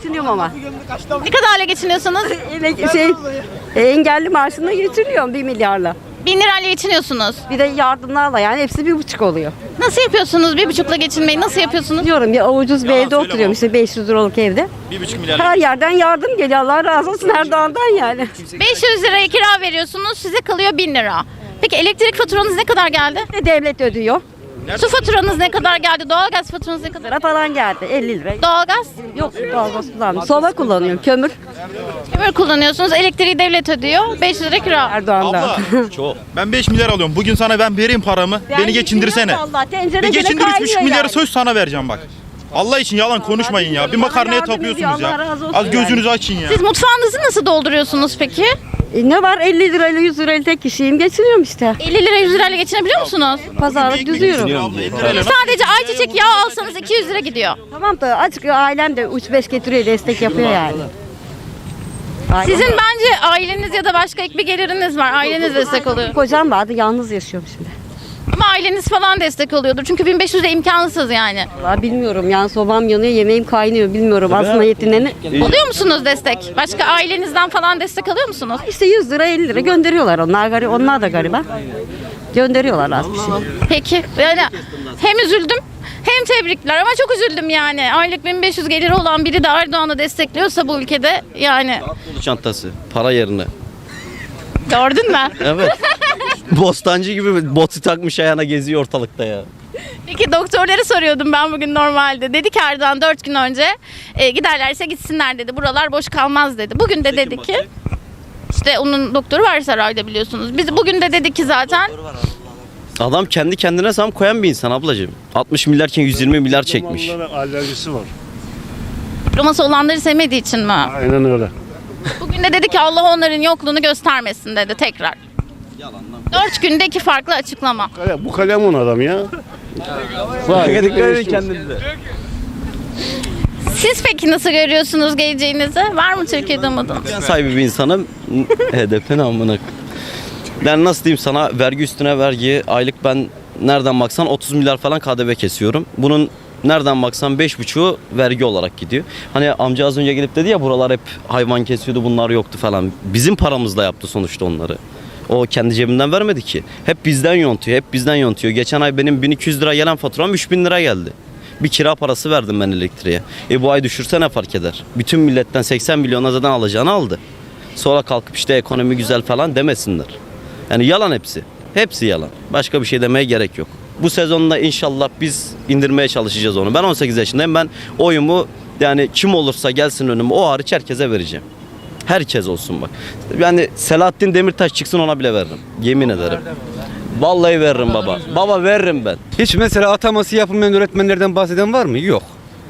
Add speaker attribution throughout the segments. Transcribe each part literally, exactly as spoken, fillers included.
Speaker 1: geçiniyorum ama.
Speaker 2: Ne kadarla geçiniyorsunuz?
Speaker 1: Emek- şey, e, engelli maaşına geçiniyorum bir milyarla.
Speaker 2: Bin lirayla geçiniyorsunuz.
Speaker 1: Bir de yardımlarla yani hepsi bir buçuk oluyor.
Speaker 2: Nasıl yapıyorsunuz bir buçukla geçinmeyi? Nasıl yapıyorsunuz?
Speaker 1: Diyorum ya ucuz bir evde oturuyorum işte beş yüz liralık evde.
Speaker 3: Bir buçuk milyar.
Speaker 1: Her yerden yardım geliyor. Allah razı olsun Erdoğan'dan yani.
Speaker 2: beş yüz liraya kira veriyorsunuz, size kalıyor bin lira. Peki elektrik faturanız ne kadar geldi?
Speaker 1: De devlet ödüyor.
Speaker 2: Su faturanız ne kadar geldi? Doğalgaz faturanız ne kadar?
Speaker 1: Lira falan geldi elli lira.
Speaker 2: Doğalgaz?
Speaker 1: Yok doğalgaz kullanmıyorum. Soba kullanıyorum kömür
Speaker 2: Kömür kullanıyorsunuz, elektriği devlet ödüyor, beş yüz lira kira.
Speaker 1: Erdoğan'dan.
Speaker 3: Abla çok. Ben beş milyar alıyorum. Bugün sana ben vereyim paramı. beni geçindirsene.
Speaker 1: Allah tencere
Speaker 3: Bir
Speaker 1: gene
Speaker 3: geçindir üç
Speaker 1: kaynıyor
Speaker 3: buçuk milyarı
Speaker 1: yani.
Speaker 3: söz sana vereceğim bak. Allah için yalan konuşmayın ya. Bir makarnaya
Speaker 1: yardım
Speaker 3: tapıyorsunuz
Speaker 1: ediyor, Allah
Speaker 3: ya.
Speaker 1: razı olsun
Speaker 3: Az gözünüzü açın ya.
Speaker 2: Siz mutfağınızı nasıl dolduruyorsunuz peki?
Speaker 1: E, ne var elli lirayla yüz lirayla tek kişiyim geçiniyorum işte.
Speaker 2: elli lira yüz lirayla geçinebiliyor musunuz?
Speaker 1: Pazarlık düzüyorum.
Speaker 2: Sadece ayçiçek yağı alsanız iki yüz lira gidiyor.
Speaker 1: Tamam da açık ailem de üç beş getiriyor destek yapıyor yani. Ailem-
Speaker 2: Sizin bence aileniz ya da başka ek bir geliriniz var. Aileniz destek oluyor.
Speaker 1: Kocam vardı yalnız yaşıyorum şimdi.
Speaker 2: Ama aileniz falan destek oluyordur. Çünkü bin beş yüz de imkansız yani.
Speaker 1: Vallahi bilmiyorum yani sobam yanıyor yemeğim kaynıyor bilmiyorum aslında yetineni.
Speaker 2: Oluyor musunuz destek? Başka ailenizden falan destek alıyor musunuz?
Speaker 1: İşte yüz lira elli lira gönderiyorlar onlar gari onlar da gariban. Gönderiyorlar az bir şey.
Speaker 2: Peki. Yani hem üzüldüm hem tebrikler ama çok üzüldüm yani. Aylık bin beş yüz geliri olan biri de Erdoğan'ı destekliyorsa bu ülkede yani.
Speaker 4: Dolu çantası para yerine.
Speaker 2: Gördün mü?
Speaker 4: Evet. Bostancı gibi botu takmış ayağına geziyor ortalıkta ya.
Speaker 2: Peki doktorları soruyordum ben bugün normalde. Dedi ki Erdoğan dört gün önce e, giderlerse gitsinler dedi. Buralar boş kalmaz dedi. Bugün de dedi ki işte onun doktoru var sarayda biliyorsunuz. Biz bugün de dedi ki zaten
Speaker 4: Adam kendi kendine zam koyan bir insan ablacığım. altmış milyarken yüz yirmi milyar çekmiş.
Speaker 5: Onlara alerjisi var.
Speaker 2: diploması olanları sevmediği için mi?
Speaker 5: Aynen öyle.
Speaker 2: Bugün de dedi ki Allah onların yokluğunu göstermesin dedi tekrar. Dört günde iki farklı açıklama.
Speaker 5: Bu kalemun adam ya. Var.
Speaker 4: kendinize.
Speaker 2: Siz peki nasıl görüyorsunuz geleceğinizi? Var mı Türkiye'de umudunuz?
Speaker 4: Ben sahibi bir insanım. H D P'nin amına. Ben nasıl diyeyim sana vergi üstüne vergi aylık ben nereden baksan otuz milyar falan K D V kesiyorum. Bunun nereden baksan beş buçuğu vergi olarak gidiyor. Hani amca az önce gelip dedi ya buralar hep hayvan kesiyordu bunlar yoktu falan. Bizim paramızla yaptı sonuçta onları. O kendi cebinden vermedi ki. Hep bizden yontuyor, hep bizden yontuyor. Geçen ay benim bin iki yüz lira gelen faturam üç bin lira geldi. Bir kira parası verdim ben elektriğe. E bu ay düşürse ne fark eder? Bütün milletten seksen milyona zaten alacağını aldı. Sonra kalkıp işte ekonomi güzel falan demesinler. Yani yalan hepsi. Hepsi yalan. Başka bir şey demeye gerek yok. Bu sezonda inşallah biz indirmeye çalışacağız onu. Ben on sekiz yaşındayım. Ben oyumu yani kim olursa gelsin önüme o hariç herkese vereceğim. Herkes olsun bak. Yani Selahattin Demirtaş çıksın ona bile veririm. Yemin ederim. Vallahi veririm baba. Baba veririm ben.
Speaker 6: Hiç mesela ataması yapılmayan öğretmenlerden bahseden var mı? Yok.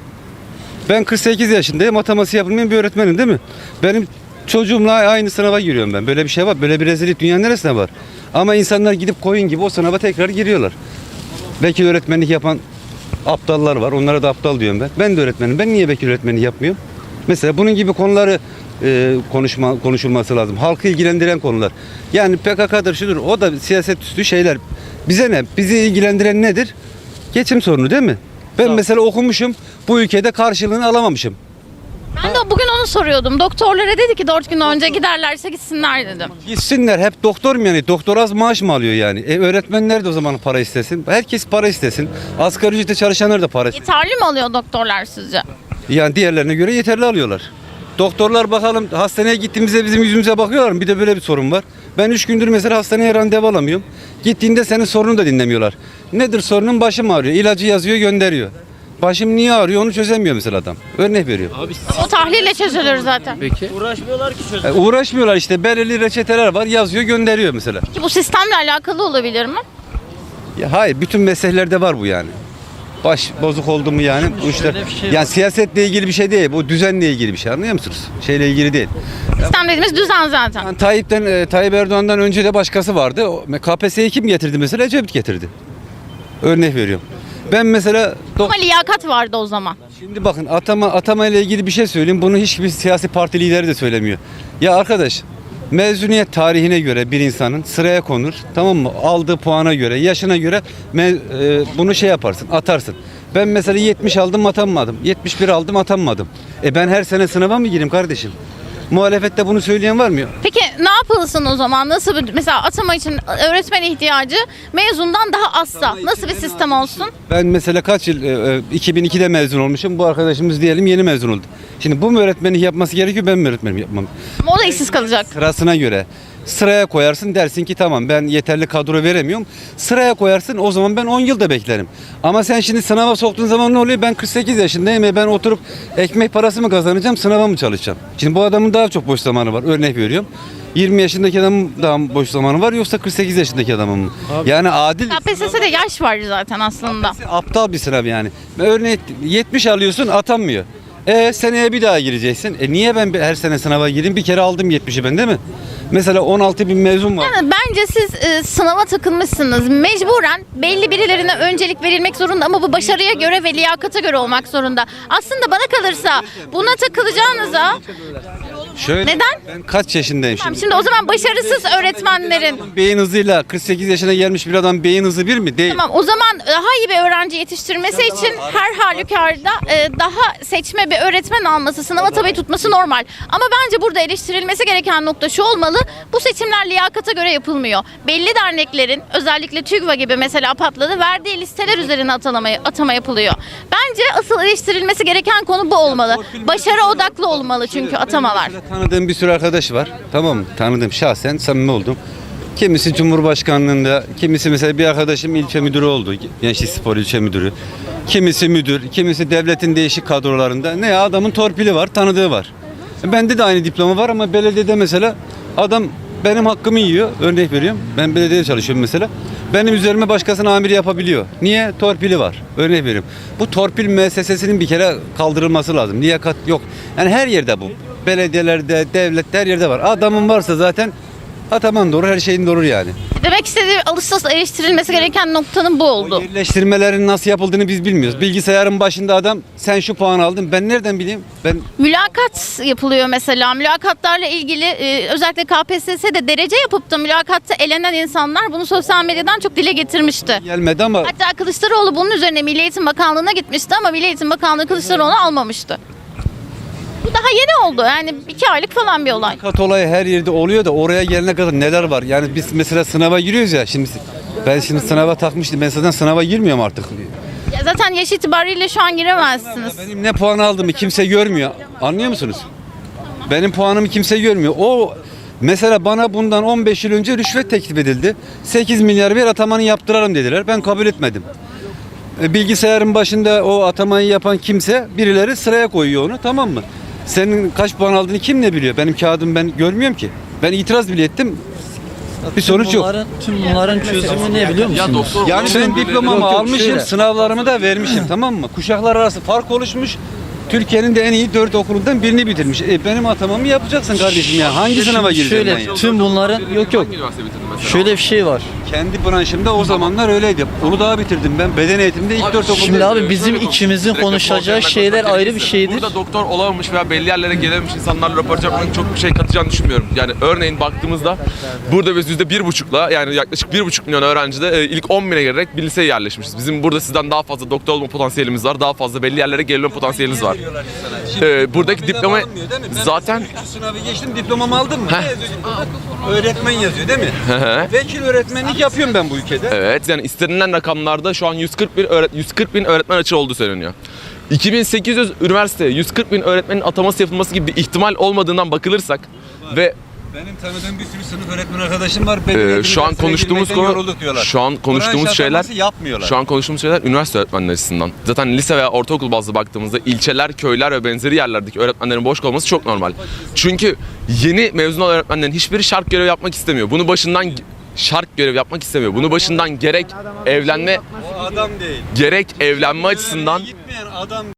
Speaker 6: Ben kırk sekiz yaşındayım. Ataması yapılmayan bir öğretmenim değil mi? Benim çocuğumla aynı sınava giriyorum ben. Böyle bir şey var. Böyle bir rezillik dünyanın neresinde var? Ama insanlar gidip koyun gibi o sınava tekrar giriyorlar. Vekil öğretmenlik yapan aptallar var. Onlara da aptal diyorum ben. Ben de öğretmenim. Ben niye vekil öğretmenlik yapmıyorum? Mesela bunun gibi konuları e, konuşma, konuşulması lazım. Halkı ilgilendiren konular. Yani P K K'dır şudur. O da siyaset üstü şeyler. Bize ne? Bizi ilgilendiren nedir? Geçim sorunu değil mi? Ben mesela okumuşum. Bu ülkede karşılığını alamamışım.
Speaker 2: Ben de bugün onu soruyordum. Doktorlara dedi ki dört gün önce giderlerse gitsinler dedim.
Speaker 6: Gitsinler hep doktor mu yani? Doktor az maaş mı alıyor yani? E, öğretmenler de o zaman para istesin. Herkes para istesin. Asgari ücretle çalışanlar da para istesin.
Speaker 2: Yeterli mi alıyor doktorlar sizce?
Speaker 6: Yani diğerlerine göre yeterli alıyorlar. Doktorlar bakalım hastaneye gittiğimizde bizim yüzümüze bakıyorlar mı? Bir de böyle bir sorun var. Ben üç gündür mesela hastaneye randevu alamıyorum. Gittiğinde senin sorununu da dinlemiyorlar. Nedir sorunun? Başım ağrıyor. İlacı yazıyor gönderiyor. Başım niye ağrıyor onu çözemiyor mesela adam. Örnek veriyor.
Speaker 2: O tahlille çözülür zaten.
Speaker 6: E, uğraşmıyorlar işte belirli reçeteler var yazıyor gönderiyor mesela.
Speaker 2: Ki bu sistemle alakalı olabilir mi?
Speaker 6: Ya hayır bütün mesleklerde var bu yani. Baş bozuk oldu mu yani bu işler. Yani siyasetle ilgili bir şey değil. Bu düzenle ilgili bir şey anlıyor musunuz? Şeyle ilgili değil.
Speaker 2: Sistem dediğimiz düzen zaten.
Speaker 6: Yani Tayyip'ten e, Tayyip Erdoğan'dan önce de başkası vardı. O, K P S S'yi kim getirdi mesela? Ecevit getirdi. Örnek veriyorum. Ben mesela
Speaker 2: Ama liyakat vardı o zaman.
Speaker 6: şimdi bakın atama atama ile ilgili bir şey söyleyeyim. Bunu hiçbir siyasi parti lideri de söylemiyor. Ya arkadaş Mezuniyet tarihine göre bir insanın sıraya konur. Tamam mı? Aldığı puana göre, yaşına göre me- e, bunu şey yaparsın, atarsın. Ben mesela yetmiş aldım atanmadım. yetmiş bir aldım atanmadım. E ben her sene sınava mı gireyim kardeşim? Muhalefette bunu söyleyen var mı?
Speaker 2: Peki ne yapılsın o zaman? Nasıl bir, mesela atama için öğretmen ihtiyacı mezundan daha azsa nasıl bir sistem olsun?
Speaker 6: Ben mesela kaç yıl, e, e, iki bin ikide mezun olmuşum. Bu arkadaşımız diyelim yeni mezun oldu. Şimdi bu mu öğretmenlik yapması gerekiyor, ben mi öğretmenim yapmam?
Speaker 2: Ama o da işsiz kalacak.
Speaker 6: Sırasına göre. Sıraya koyarsın, dersin ki tamam ben yeterli kadro veremiyorum. Sıraya koyarsın, o zaman ben on yılda beklerim. Ama sen şimdi sınava soktuğun zaman ne oluyor? Ben kırk sekiz yaşındayım ve ben oturup ekmek parası mı kazanacağım, sınava mı çalışacağım? Şimdi bu adamın daha çok boş zamanı var. Örnek veriyorum. yirmi yaşındaki adamın daha mı boş zamanı var yoksa kırk sekiz yaşındaki adamın mı? Yani adil.
Speaker 2: K P S S'de yaş var zaten aslında.
Speaker 6: Aptal bir sınav yani. Örneğin yetmiş alıyorsun, atanmıyor. E seneye bir daha gireceksin. E niye ben her sene sınava gireyim? Bir kere aldım yetmişi ben, değil mi? Mesela on altı bin mezun var.
Speaker 2: Yani bence siz e, sınava takılmışsınız. Mecburen belli birilerine öncelik verilmek zorunda ama bu başarıya göre ve liyakata göre olmak zorunda. Aslında bana kalırsa buna takılacağınıza
Speaker 6: Şöyle,
Speaker 2: Neden?
Speaker 6: Ben kaç yaşındayım
Speaker 2: Tamam,
Speaker 6: şimdi?
Speaker 2: şimdi o zaman başarısız öğretmenlerin
Speaker 6: Beyin hızıyla kırk sekiz yaşına gelmiş bir adam beyin hızı bir mi? Değil.
Speaker 2: tamam o zaman daha iyi bir öğrenci yetiştirmesi için her halükarda e, daha seçme bir öğretmen alması, sınava tabi tutması normal. Ama bence burada eleştirilmesi gereken nokta şu olmalı. Bu seçimler liyakata göre yapılmıyor. Belli derneklerin özellikle TÜGVA gibi mesela patladı verdiği listeler üzerine atama, atama yapılıyor. Bence asıl eleştirilmesi gereken konu bu olmalı. Başarı odaklı olmalı çünkü atamalar.
Speaker 6: Tanıdığım bir sürü arkadaş var. Tamam mı? Tanıdığım, şahsen samimi oldum. Kimisi Cumhurbaşkanlığında, kimisi mesela bir arkadaşım ilçe müdürü oldu. Gençlik Spor ilçe müdürü. Kimisi müdür, kimisi devletin değişik kadrolarında. Ne ya, adamın torpili var, tanıdığı var. Bende de aynı diploma var ama belediyede mesela adam benim hakkımı yiyor. Örnek veriyorum. Ben belediyede çalışıyorum mesela. Benim üzerime başkasının amiri yapabiliyor. Niye? Torpili var. Örnek veriyorum. Bu torpil müessesesinin bir kere kaldırılması lazım. Liyakat yok. Yani her yerde bu. Belediyelerde, devlette, her yerde var. Adamın varsa zaten ataman doğru, her şeyin doğru yani.
Speaker 2: Demek istediği alışsız eleştirilmesi gereken noktanın bu oldu.
Speaker 6: Yerleştirmelerin nasıl yapıldığını biz bilmiyoruz. Bilgisayarın başında adam sen şu puan aldın, ben nereden bileyim? Ben
Speaker 2: Mülakat yapılıyor mesela. Mülakatlarla ilgili e, özellikle K P S S'de derece yapıp da mülakatta elenen insanlar bunu sosyal medyadan çok dile getirmişti.
Speaker 6: gelmedi ama
Speaker 2: Hatta Kılıçdaroğlu bunun üzerine Milli Eğitim Bakanlığı'na gitmişti ama Milli Eğitim Bakanlığı Kılıçdaroğlu'nu almamıştı. Bu daha yeni oldu. Yani iki aylık falan bir olay.
Speaker 6: kat olayı her yerde oluyor da oraya gelene kadar neler var? Yani biz mesela sınava giriyoruz ya, şimdi ben şimdi sınava takmıştım. Ben zaten sınava girmiyorum artık.
Speaker 2: Ya zaten yaş itibariyle şu an giremezsiniz.
Speaker 6: Benim ne puan aldığımı kimse görmüyor. Anlıyor musunuz? Benim puanımı kimse görmüyor. O mesela bana bundan on beş yıl önce rüşvet teklif edildi. sekiz milyar ver, atamanı yaptırarım dediler. Ben kabul etmedim. E, Bilgisayarın başında o atamayı yapan kimse, birileri sıraya koyuyor onu, tamam mı? Senin kaç puan aldığını kim ne biliyor? Benim kağıdım ben görmüyorum ki. Ben itiraz bile ettim. Bir sonuç yok.
Speaker 7: Bunların, tüm bunların çözümü ne biliyor musunuz?
Speaker 6: Yani ben diplomamı
Speaker 7: Yok, yok,
Speaker 6: almışım,
Speaker 7: şöyle.
Speaker 6: sınavlarımı da vermişim, tamam mı? Kuşaklar arası fark oluşmuş. Türkiye'nin de en iyi dört okulundan birini bitirmiş. E benim atamamı yapacaksın kardeşim ya. Hangi sınava gireceğim ben
Speaker 7: Şöyle
Speaker 6: ya?
Speaker 7: tüm bunların yok yok. Şöyle bir şey var.
Speaker 6: Kendi branşımda o zamanlar öyleydi. Uludağ'ı bitirdim ben. Beden eğitimde ilk dört okulda.
Speaker 7: Şimdi abi bizim ikimizin konuşacağı şeyler ayrı bir şeydir.
Speaker 8: Burada doktor olamamış veya belli yerlere gelememiş insanlarla röportaj yapmanın çok bir şey katacağını düşünmüyorum. Yani örneğin baktığımızda burada biz yüzde bir buçukla yani yaklaşık bir buçuk milyon öğrencide e, ilk on bine gelerek bir liseye yerleşmişiz. Bizim burada sizden daha fazla doktor olma potansiyelimiz var. Daha fazla belli yerlere gelme potansiyelimiz var. Ee, buradaki diploma zaten
Speaker 6: sınavı geçtim, diplomamı aldım mı? Ne yazıyor diplomada? Öğretmen yazıyor değil mi? Vekil öğretmenlik yapıyorum ben bu ülkede.
Speaker 8: evet yani istenilen rakamlarda şu an yüz kırk bin öğret yüz kırk bin öğretmen açığı olduğu söyleniyor. iki bin sekiz yüz üniversiteye yüz kırk bin öğretmenin ataması yapılması gibi bir ihtimal olmadığından bakılırsak ve
Speaker 6: Benim tanıdığım bir sürü sınıf öğretmen arkadaşım var.
Speaker 8: Ee, şu an konuştuğumuz konu, şu an konuştuğumuz şeyler,
Speaker 6: yapmıyorlar.
Speaker 8: şu an konuştuğumuz şeyler üniversite öğretmenleri açısından. Zaten lise veya ortaokul bazlı baktığımızda ilçeler, köyler ve benzeri yerlerdeki öğretmenlerin boş kalması çok normal. Çünkü yeni mezun olan öğretmenlerin hiçbiri şart görev yapmak istemiyor. Bunu başından şart görev yapmak istemiyor. Bunu başından gerek evlenme
Speaker 6: O adam değil.
Speaker 8: gerek evlenme açısından
Speaker 6: Gitmeyen adam